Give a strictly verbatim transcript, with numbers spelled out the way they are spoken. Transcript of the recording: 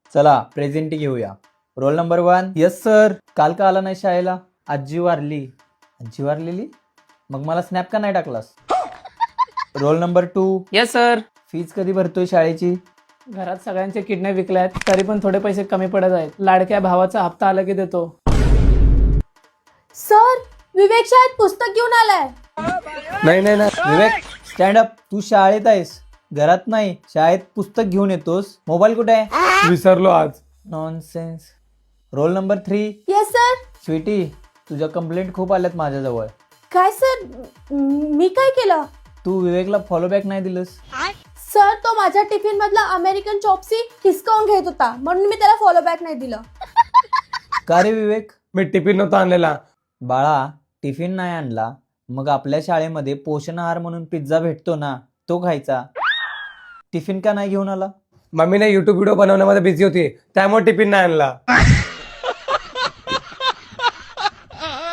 चला प्रेझेंटी घेऊया. Roll number one. Yes sir. काल का आला नाही शाळेला? आजी वारली. आजी वारलेली? मग मला स्नॅप का नाही टाकलास? Roll number two. Yes sir. Fees कधी भरतोय शाळेची? घरात सगळ्यांचे किडनी विकले आहेत, तरी पण थोडे पैसे कमी पडत आहेत. लाडक्या भावाचा हप्ता आला की देतो. सर, विवेक शाळेत पुस्तक घेऊन आलाय. नाही नाही नाही विवेक, स्टँड अप. तू शाळेत आहेस, घरात नाही. शाळेत पुस्तक घेऊन येतोस. मोबाईल कुठे आहे? विसरलो आज. Nonsense. Roll number three. Yes sir. Sweety, तुझ्या कंप्लेंट खूप आल्यात माझ्याजवळ. काय सर? मी काय केलं? तू विवेकला फॉलो बॅक नाही दिलंस. सर, तो माझ्या टिफिन मधला अमेरिकन चॉपसी हिसकावून घेत होता, म्हणून मी त्याला फॉलो बॅक नाही दिलं. का रे विवेक? मी टिफिन नव्हता आणलेला. बाळा, टिफिन नाही आणला मग आपल्या शाळेमध्ये पोषण आहार म्हणून पिझ्झा भेटतो ना, तो खायचा. टिफिन का नाही घेऊन आला? मम्मीने युट्यूब व्हिडिओ बनवण्यामध्ये बिझी होती, त्यामुळे टिफिन नाही आणला.